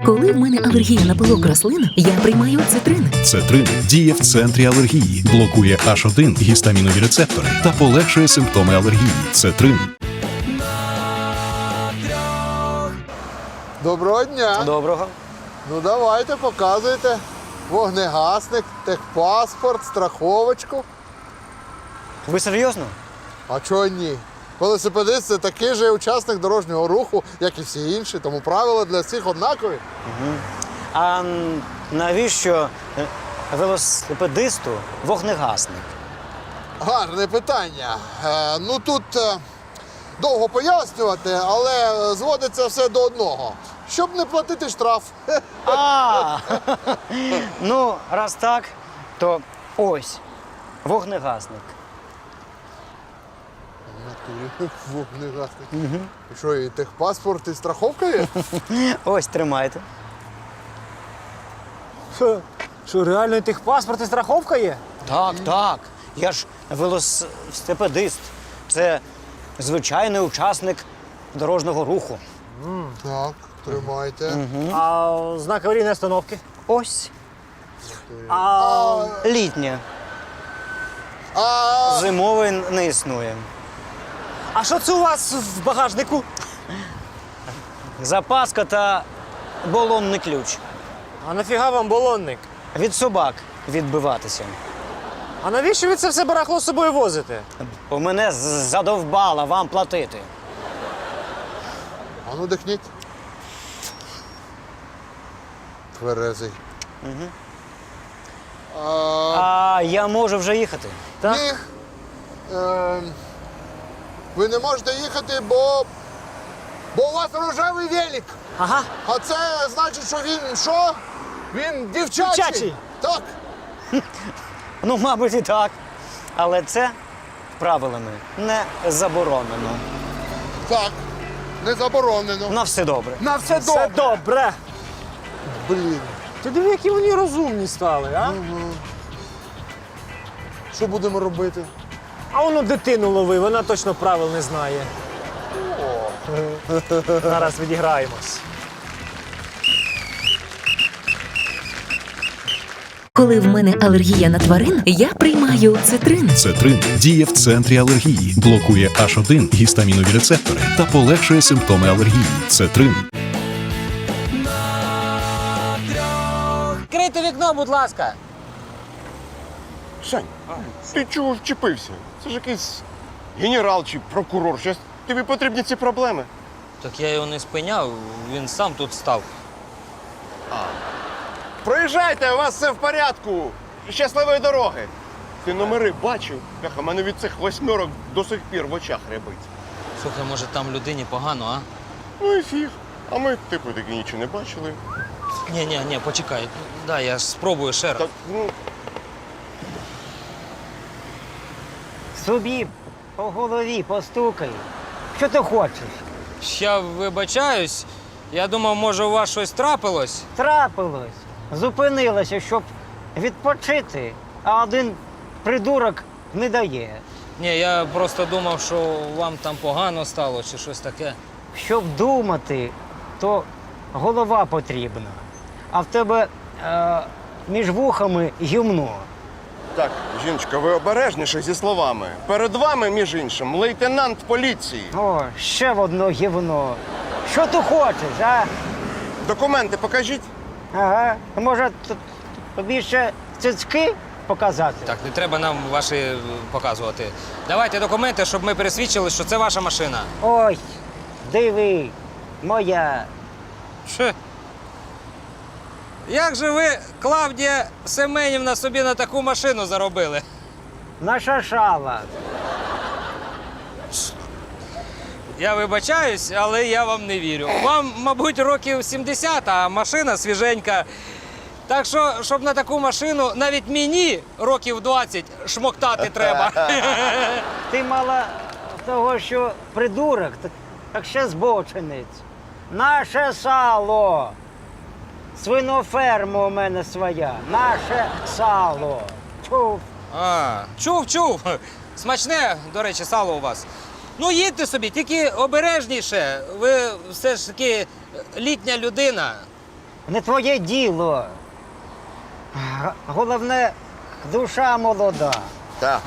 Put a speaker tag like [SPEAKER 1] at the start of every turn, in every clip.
[SPEAKER 1] Коли в мене алергія на пилок рослин, я приймаю цитрин.
[SPEAKER 2] Цетрин діє в центрі алергії, блокує H1 гістамінові рецептори та полегшує симптоми алергії. Цетрин.
[SPEAKER 3] Доброго дня.
[SPEAKER 4] Доброго.
[SPEAKER 3] Ну давайте, показуйте. Вогнегасник, техпаспорт, страховочку.
[SPEAKER 4] Ви серйозно?
[SPEAKER 3] А чого ні? Велосипедист – це такий же учасник дорожнього руху, як і всі інші, тому правила для всіх однакові.
[SPEAKER 4] А навіщо велосипедисту вогнегасник?
[SPEAKER 3] Гарне питання. Ну тут довго пояснювати, але зводиться все до одного. Щоб не платити штраф.
[SPEAKER 4] Ну, раз так, то ось вогнегасник.
[SPEAKER 3] Вогнегасник. І що, і техпаспорт, і страховка є?
[SPEAKER 4] Ось, тримайте.
[SPEAKER 5] Що, реально і техпаспорт і страховка є?
[SPEAKER 4] Так. Я ж велосипедист. Це звичайний учасник дорожнього руху.
[SPEAKER 3] Так, тримайте.
[SPEAKER 5] А знак аварійної остановки?
[SPEAKER 4] Ось.
[SPEAKER 5] А
[SPEAKER 4] Літня.
[SPEAKER 3] А
[SPEAKER 4] Зимовий не існує.
[SPEAKER 5] що це у вас в багажнику?
[SPEAKER 4] Запаска та балонний ключ.
[SPEAKER 5] А нафіга вам балонник?
[SPEAKER 4] Від собак відбиватися.
[SPEAKER 5] А навіщо ви це все барахло з собою возите?
[SPEAKER 4] У мене задовбала вам платити.
[SPEAKER 3] ну дихніть. Тверезий.
[SPEAKER 4] А я можу вже їхати.
[SPEAKER 5] Так?
[SPEAKER 3] Ні. Ви не можете їхати, бо у вас рожевий велик.
[SPEAKER 5] Ага.
[SPEAKER 3] А це значить, що він що? Він дівчачий.
[SPEAKER 5] Дівчачий.
[SPEAKER 3] Так.
[SPEAKER 4] Ну, мабуть, і так. Але це правилами не заборонено.
[SPEAKER 3] Так. Не заборонено.
[SPEAKER 4] На все добре.
[SPEAKER 3] На все добре.
[SPEAKER 5] Все добре.
[SPEAKER 3] Блін.
[SPEAKER 5] Ти диви, які вони розумні стали, а?
[SPEAKER 3] Що будемо робити?
[SPEAKER 5] А воно дитину лови, вона точно правил не знає. Зараз відіграємось.
[SPEAKER 1] Коли в мене алергія на тварин, я приймаю цитрин.
[SPEAKER 2] Цетрин діє в центрі алергії, блокує H1 гістамінові рецептори та полегшує симптоми алергії. Цетрин.
[SPEAKER 5] Відкрийте вікно, будь ласка.
[SPEAKER 6] Сань, ти чого вчепився? Це ж якийсь генерал чи прокурор. Щас тобі потрібні ці проблеми.
[SPEAKER 7] Так я його не спиняв, він сам тут став.
[SPEAKER 6] Проїжджайте, у вас все в порядку. Щасливої дороги. Ти номери бачив? Бляха, мене від цих 8 до сих пір в очах рябить.
[SPEAKER 7] Слухай, може там людині погано, а?
[SPEAKER 6] Ну і фіг. А ми, типу, таки нічого не бачили.
[SPEAKER 7] Ні, почекай. Да, я ж спробую ще раз.
[SPEAKER 6] Так, ну,
[SPEAKER 4] Собі по голові постукай. Що ти хочеш?
[SPEAKER 7] Я вибачаюсь, я думав, може у вас щось трапилось?
[SPEAKER 4] Трапилось. Зупинилася, щоб відпочити, а один придурок не дає.
[SPEAKER 7] Ні, я просто думав, що вам там погано стало чи щось таке.
[SPEAKER 4] Щоб думати, то голова потрібна. А в тебе між вухами гімно.
[SPEAKER 6] так, жіночка, ви обережніше зі словами. Перед вами, між іншим, лейтенант поліції.
[SPEAKER 4] О, ще в одно гівно. Що ти хочеш, а?
[SPEAKER 6] Документи покажіть.
[SPEAKER 4] Ага. Може, тобі ще цицьки показати?
[SPEAKER 7] Так, не треба нам ваші показувати. Давайте документи, щоб ми пересвідчили, що це ваша машина.
[SPEAKER 4] Ой, диви, моя.
[SPEAKER 7] Що? Як же ви, Клавдія Семенівна, собі на таку машину заробили?
[SPEAKER 4] Наша шала.
[SPEAKER 7] Я вибачаюсь, але я вам не вірю. Вам, мабуть, років 70, а машина свіженька. Так що, щоб на таку машину навіть мені років 20 шмоктати треба.
[SPEAKER 4] Ти мала того, що придурок, так ще збочинець. Наше сало. Свиноферма у мене своя. Наше сало. Чув.
[SPEAKER 7] Чув. Смачне, до речі, сало у вас. Ну, їдьте собі, тільки обережніше. Ви все ж таки літня людина.
[SPEAKER 4] Не твоє діло. Головне, душа молода.
[SPEAKER 6] Так.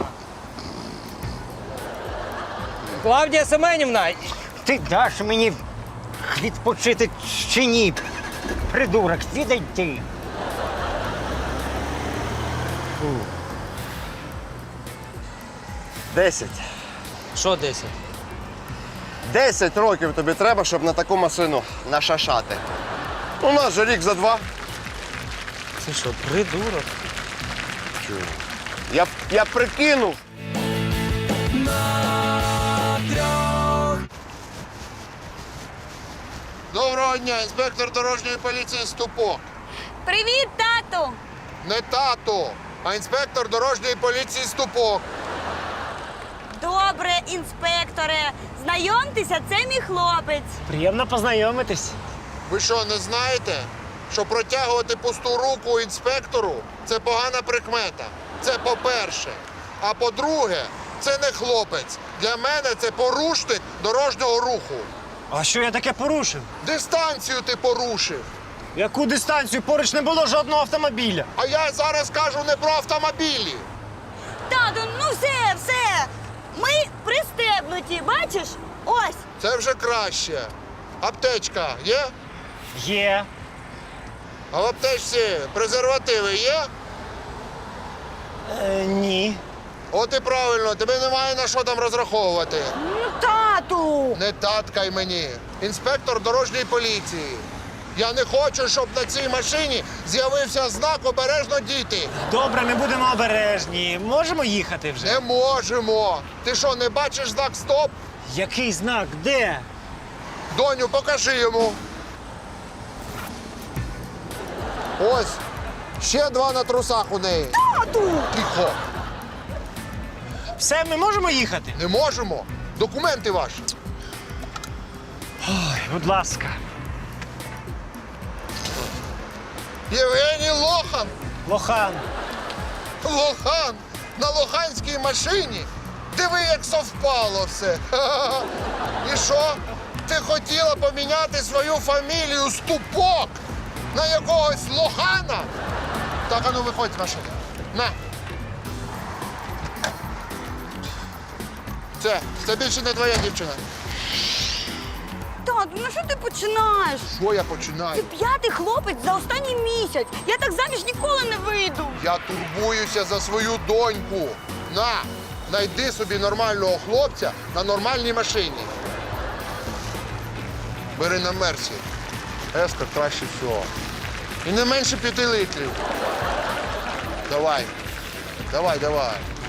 [SPEAKER 7] Клавдія Семенівна,
[SPEAKER 4] Ти даш мені відпочити чи ні? Придурок, відай ти. Фу.
[SPEAKER 6] 10.
[SPEAKER 7] що 10?
[SPEAKER 6] 10 років тобі треба, щоб на таку машину нашашати. У нас же рік за 2.
[SPEAKER 7] Це що, придурок?
[SPEAKER 6] Я прикинув.
[SPEAKER 3] Доброго дня, інспектор дорожньої поліції Ступок.
[SPEAKER 8] Привіт, тату!
[SPEAKER 3] Не тато, а інспектор дорожньої поліції Ступок.
[SPEAKER 8] Добре, інспекторе. Знайомтеся, це мій хлопець.
[SPEAKER 5] Приємно познайомитись.
[SPEAKER 3] Ви що, не знаєте, що протягувати пусту руку інспектору – це погана прикмета? Це по-перше. А по-друге, це не хлопець. Для мене це порушник дорожнього руху.
[SPEAKER 5] А що я таке порушив?
[SPEAKER 3] Дистанцію ти порушив.
[SPEAKER 5] Яку дистанцію? Поруч не було жодного автомобіля.
[SPEAKER 3] А я зараз кажу не про автомобілі.
[SPEAKER 8] Тату, ну все. Ми пристебнуті, бачиш? Ось.
[SPEAKER 3] Це вже краще. Аптечка є?
[SPEAKER 5] Є.
[SPEAKER 3] А в аптечці презервативи є?
[SPEAKER 5] Ні.
[SPEAKER 3] От і правильно, тобі немає на що там розраховувати.
[SPEAKER 8] Ну, тату!
[SPEAKER 3] Не таткай мені. Інспектор дорожньої поліції. Я не хочу, щоб на цій машині з'явився знак «Обережно діти».
[SPEAKER 5] Добре, ми будемо обережні. Можемо їхати вже?
[SPEAKER 3] Не можемо. Ти що, не бачиш знак «Стоп»?
[SPEAKER 5] Який знак? Де?
[SPEAKER 3] Доню, покажи йому. Ось. Ще 2 на трусах у неї.
[SPEAKER 8] Тату!
[SPEAKER 3] Тихо.
[SPEAKER 5] Все, ми можемо їхати?
[SPEAKER 3] Не можемо. Документи ваші.
[SPEAKER 5] Будь ласка.
[SPEAKER 3] Євгеній Лохан.
[SPEAKER 5] Лохан.
[SPEAKER 3] Лохан на лоханській машині. Диви, як совпало все. Ха-ха-ха. І що? Ти хотіла поміняти свою фамілію Ступок на якогось Лохана? Так, а ну виходь з машини. На. Це більше не твоя дівчина.
[SPEAKER 8] Тату, ну що ти починаєш?
[SPEAKER 3] Що я
[SPEAKER 8] Ти
[SPEAKER 3] починаю?
[SPEAKER 8] 5-й хлопець за останній місяць. Я так заміж ніколи не вийду.
[SPEAKER 3] Я турбуюся за свою доньку. На, знайди собі нормального хлопця на нормальній машині. Бери на Мерсі. Еска краще всього. І не менше 5 літрів. Давай. Давай.